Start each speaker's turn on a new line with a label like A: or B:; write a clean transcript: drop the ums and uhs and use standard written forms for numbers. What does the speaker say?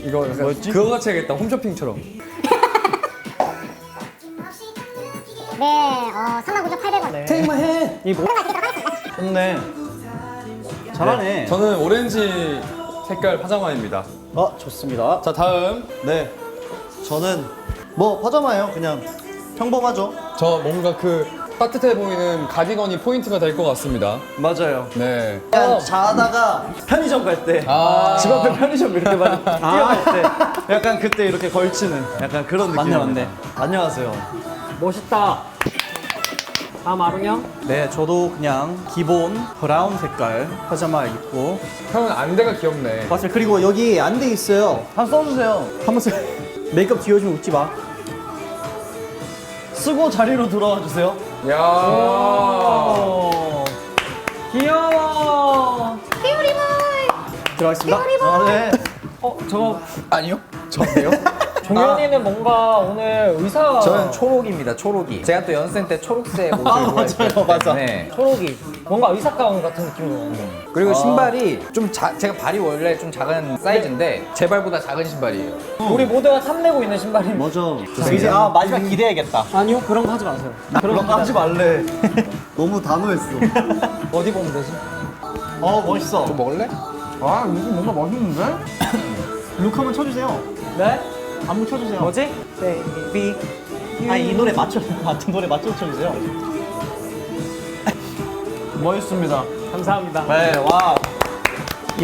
A: 이거 약간
B: 뭐였지?
A: 그거 같이 해야겠다. 홈쇼핑처럼.
C: 네, 39,800원.
B: 네.
A: 테이크만 해.
B: 이 뭐? 좋네. 잘하네.
A: 저는 오렌지 색깔 파자마입니다.
B: 좋습니다.
A: 자, 다음.
B: 네. 저는 뭐 파자마예요. 그냥 평범하죠.
A: 저 뭔가 그 따뜻해 보이는 가디건이 포인트가 될 것 같습니다.
B: 맞아요.
A: 네.
B: 그냥 자다가 편의점 갈 때, 집
A: 아.
B: 앞에 편의점 이렇게 많이 뛰어갈 때, 약간 그때 이렇게 걸치는 약간 그런 느낌.
D: 맞네.
B: 안녕하세요.
D: 멋있다. 다음 아롱 형.
B: 네, 저도 그냥 기본 브라운 색깔 파자마 입고.
A: 형은 안대가 귀엽네.
B: 맞아요. 그리고 여기 안대 있어요. 한번 써주세요. 한번 써. 메이크업 지워주면 웃지 마. 쓰고 자리로 돌아와 주세요.
A: 야.
D: 귀여워.
B: 들어가겠습니다. 네.
D: 저거
A: 아니요? 저인데요?
D: 종현이는 뭔가 오늘 의사.
E: 저는 초록입니다. 초록이. 제가 또 연습생 때 초록색 옷을 좋아했기
B: 맞아.
E: 때문에.
D: 초록이. 뭔가 의사 가운 같은 느낌으로.
E: 그리고 신발이 좀 제가 발이 원래 좀 작은 사이즈인데 제 발보다 작은 신발이에요.
D: 우리 모두가 탐내고 있는 신발입니다.
B: 맞아. 이제 마지막 기대해야겠다.
D: 아니요, 그런 거 하지 마세요.
B: 그런 거 하지 말래. 너무 단호했어.
D: 어디 보면 되지?
B: 멋있어.
E: 좀 먹을래?
B: 아, 이거 뭔가 맛있는데? 룩 한번 쳐주세요.
D: 네?
B: 안무 쳐주세요.
D: 뭐지? Baby.
B: 이 노래 맞춘 노래 맞춰 쳐주세요. 멋있습니다.
D: 감사합니다.
B: 네, 와.